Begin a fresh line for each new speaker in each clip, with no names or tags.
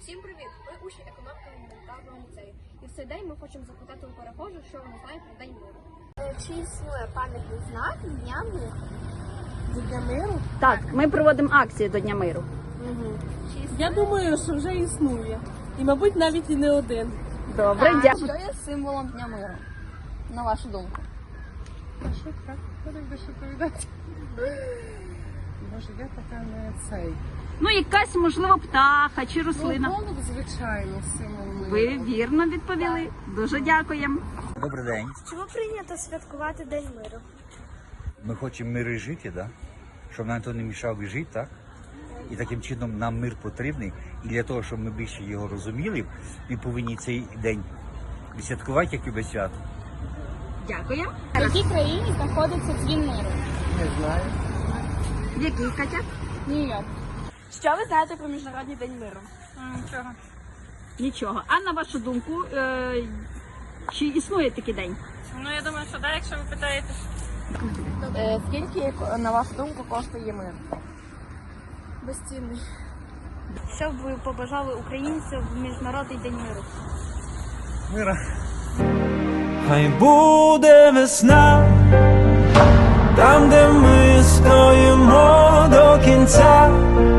Всім привіт! Ми учні економіко-гуманітарного ліцею. І в цей день ми хочемо запитати у перехожих, що вони знають про День миру. Чи існує пам'ятний знак Дня миру?
До Дня миру?
Так, ми проводимо акцію до Дня миру.
Я думаю, що вже існує. І, мабуть, навіть і не один.
Добре, дякую.
Що є символом Дня миру? На вашу думку?
А що так? Хто так що повідати? Боже, я така не цей.
Ну, якась, можливо, птаха чи рослина.
Ну, голуб, звичайно, символ миру.
Ви вірно відповіли. Дуже дякуємо.
Добрий день.
Чому прийнято святкувати День миру?
Ми хочемо миру жити, да? Щоб нам то не мішав жити, так? І таким чином нам мир потрібний. І для того, щоб ми більше його розуміли, ми повинні цей день відсвяткувати як любе свято.
Дякуємо.
В якій країні знаходиться Дзвін миру?
Не знаю.
В якій, Катя?
Нью-Йорк. Що ви знаєте про Міжнародний день миру?
Нічого.
Нічого. А на вашу думку, чи існує такий день?
Ну, я думаю, що так, якщо ви питаєте.
Скільки, на вашу думку, коштує мир?
Безцінний.
Що б ви побажали українцям в Міжнародний день миру?
Мира.
Хай буде весна, там, де ми стоїмо до кінця,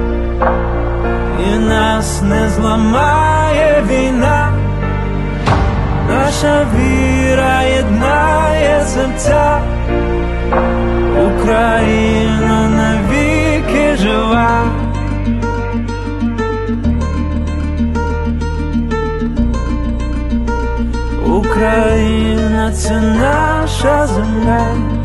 і нас не зламає війна, наша віра єднає серця, Україна навіки жива. Україна — це наша земля.